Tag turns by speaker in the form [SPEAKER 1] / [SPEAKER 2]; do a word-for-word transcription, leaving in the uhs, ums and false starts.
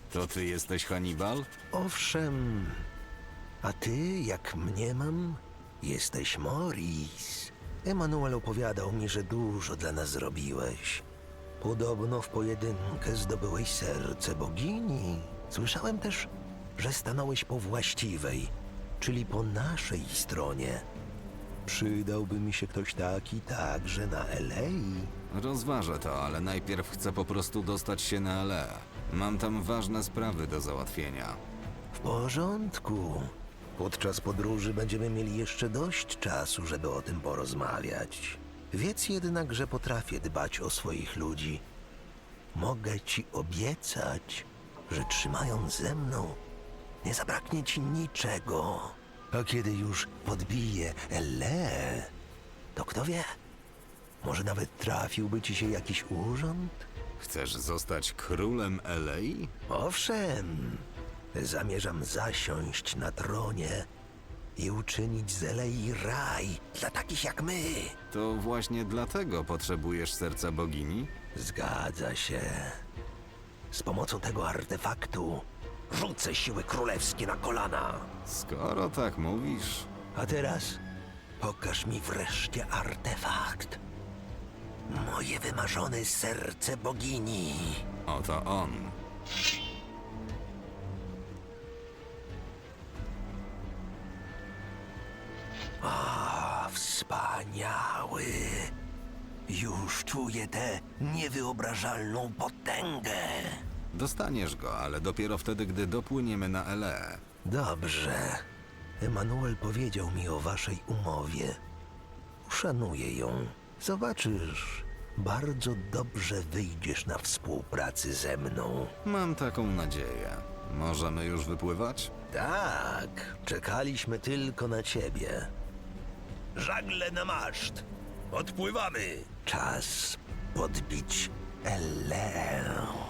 [SPEAKER 1] To ty jesteś Hannibal?
[SPEAKER 2] Owszem, a ty, jak mniemam, jesteś Morris. Emanuel opowiadał mi, że dużo dla nas zrobiłeś. Podobno w pojedynkę zdobyłeś serce bogini. Słyszałem też, że stanąłeś po właściwej, czyli po naszej stronie. Przydałby mi się ktoś taki także na L A.
[SPEAKER 1] Rozważę to, ale najpierw chcę po prostu dostać się na L A. Mam tam ważne sprawy do załatwienia.
[SPEAKER 2] W porządku. Podczas podróży będziemy mieli jeszcze dość czasu, żeby o tym porozmawiać. Wiedz jednak, że potrafię dbać o swoich ludzi. Mogę ci obiecać, że trzymając ze mną, nie zabraknie ci niczego. A kiedy już podbije L A, to kto wie, może nawet trafiłby ci się jakiś urząd?
[SPEAKER 1] Chcesz zostać królem L A?
[SPEAKER 2] Owszem, zamierzam zasiąść na tronie i uczynić z L A raj dla takich jak my.
[SPEAKER 1] To właśnie dlatego potrzebujesz serca bogini?
[SPEAKER 2] Zgadza się. Z pomocą tego artefaktu rzucę siły królewskie na kolana.
[SPEAKER 1] Skoro tak mówisz...
[SPEAKER 2] A teraz pokaż mi wreszcie artefakt. Moje wymarzone serce bogini.
[SPEAKER 1] Oto on.
[SPEAKER 2] A, wspaniały. Już czuję tę niewyobrażalną potęgę.
[SPEAKER 1] Dostaniesz go, ale dopiero wtedy, gdy dopłyniemy na L A.
[SPEAKER 2] Dobrze. Emanuel powiedział mi o waszej umowie. Uszanuję ją. Zobaczysz, bardzo dobrze wyjdziesz na współpracy ze mną.
[SPEAKER 1] Mam taką nadzieję. Możemy już wypływać?
[SPEAKER 2] Tak, czekaliśmy tylko na ciebie. Żagle na maszt. Odpływamy. Czas podbić Elę.